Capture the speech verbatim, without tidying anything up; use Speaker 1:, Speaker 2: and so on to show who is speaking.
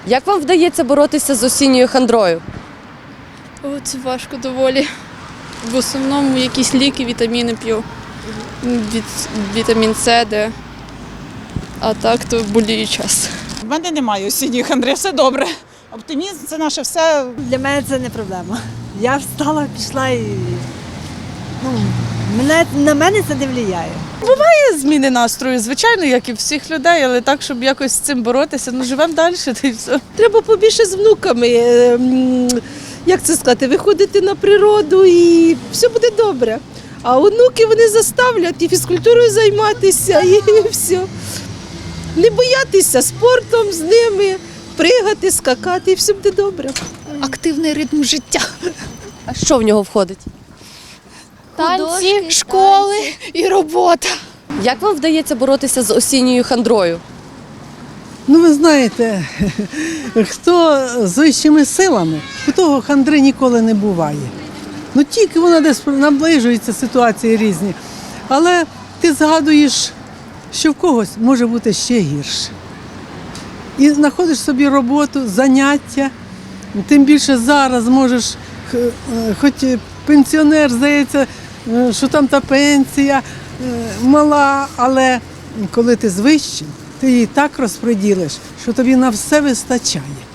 Speaker 1: Як вам вдається боротися з осінньою хандрою?
Speaker 2: О, це важко доволі. В основному якісь ліки, вітаміни п'ю. Від, вітамін С, Д. А так то болію час.
Speaker 3: У мене немає осінньої хандри, все добре. Оптимізм – це наше все.
Speaker 4: Для мене це не проблема. Я встала, пішла і ну, мене, на мене це не впливає.
Speaker 5: Зміни настрою, звичайно, як і всіх людей, але так, щоб якось з цим боротися, ну живемо далі, та й все.
Speaker 6: Треба побільше з внуками, ем, як це сказати, виходити на природу і все буде добре. А онуки вони заставлять і фізкультурою займатися, і все. Не боятися спортом з ними, пригати, скакати, і все буде добре.
Speaker 7: Активний ритм життя.
Speaker 1: А що в нього входить?
Speaker 7: Танці, школи і робота.
Speaker 1: Як вам вдається боротися з осінньою хандрою?
Speaker 8: Ну, ви знаєте, хто з вищими силами, у того хандри ніколи не буває. Ну, тільки вона десь наближується, ситуації різні. Але ти згадуєш, що в когось може бути ще гірше. І знаходиш собі роботу, заняття. Тим більше зараз можеш, хоч пенсіонер, здається, що там та пенсія мала, але коли ти з вищим, ти її так розподілиш, що тобі на все вистачає.